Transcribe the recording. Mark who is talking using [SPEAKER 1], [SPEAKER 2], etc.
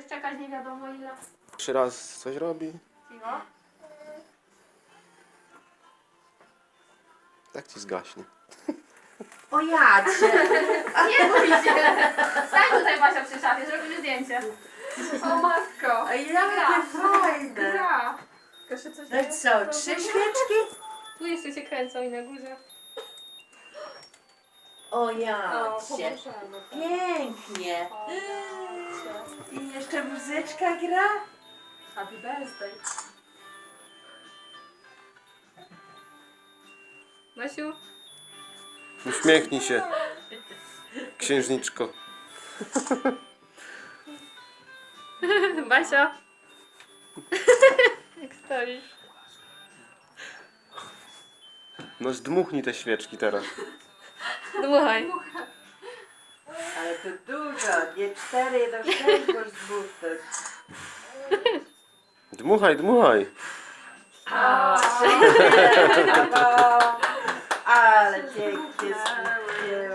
[SPEAKER 1] Będziesz czekać nie wiadomo ile.
[SPEAKER 2] 3 razy coś robi.
[SPEAKER 1] Cicho.
[SPEAKER 2] Tak ci zgaśnie.
[SPEAKER 3] O jacie!
[SPEAKER 1] Nie bój się! Stań tutaj Basia przy szafie, zrobimy zdjęcie. O matko!
[SPEAKER 3] A jakie fajne!
[SPEAKER 1] Gra! Tylko się coś
[SPEAKER 3] No i co, 3 świeczki?
[SPEAKER 1] Tu jeszcze się kręcą i na górze.
[SPEAKER 3] O
[SPEAKER 1] O,
[SPEAKER 3] jacie!
[SPEAKER 1] pomożemy.
[SPEAKER 3] Pięknie!
[SPEAKER 1] O, jacie.
[SPEAKER 3] I jeszcze muzyczka gra?
[SPEAKER 1] Happy birthday. Basiu?
[SPEAKER 2] Uśmiechnij się, księżniczko.
[SPEAKER 1] Basia? Jak stoisz?
[SPEAKER 2] No zdmuchnij te świeczki teraz.
[SPEAKER 1] Dmuchaj.
[SPEAKER 3] Ale to dużo, nie 4, do 6 możesz zbuchnąć.
[SPEAKER 2] Dmuchaj, dmuchaj.
[SPEAKER 3] Brawo!